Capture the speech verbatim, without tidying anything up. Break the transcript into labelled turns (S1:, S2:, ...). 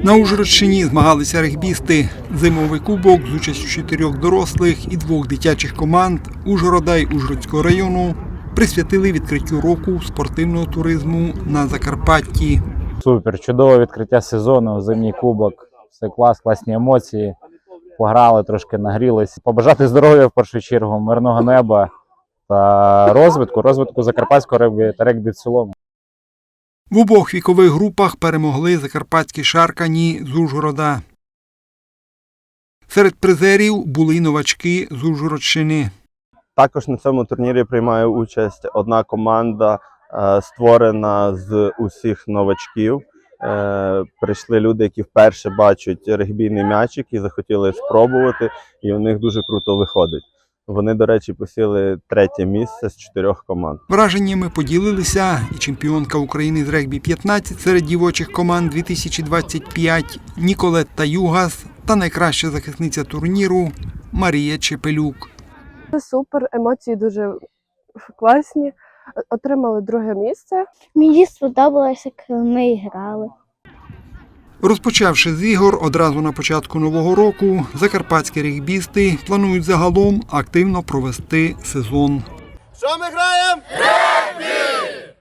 S1: На Ужгородщині змагалися регбісти. Зимовий кубок з участю чотирьох дорослих і двох дитячих команд Ужгорода й Ужгородського району присвятили відкриттю року спортивного туризму на Закарпатті.
S2: Супер, чудове відкриття сезону, зимній кубок, все клас, класні емоції, пограли, трошки нагрілись. Побажати здоров'я в першу чергу, мирного неба та розвитку, розвитку закарпатського регбі та регбі в цілому.
S1: В обох вікових групах перемогли закарпатські шаркані з Ужгорода. Серед призерів були й новачки з Ужгородщини.
S3: Також на цьому турнірі приймає участь одна команда, створена з усіх новачків. Прийшли люди, які вперше бачать регбійний м'ячик і захотіли спробувати, і у них дуже круто виходить. Вони, до речі, посіли третє місце з чотирьох команд.
S1: Враженнями поділилися і чемпіонка України з регбі п'ятнадцять серед дівочих команд дві тисячі двадцять п'ять Ніколетта Югас та найкраща захисниця турніру Марія Чепелюк.
S4: Це супер, емоції дуже класні. Отримали друге місце.
S5: Мені сподобалося, коли ми грали.
S1: Розпочавши з ігор одразу на початку нового року, закарпатські регбісти планують загалом активно провести сезон.
S6: Що ми граємо? Регбі!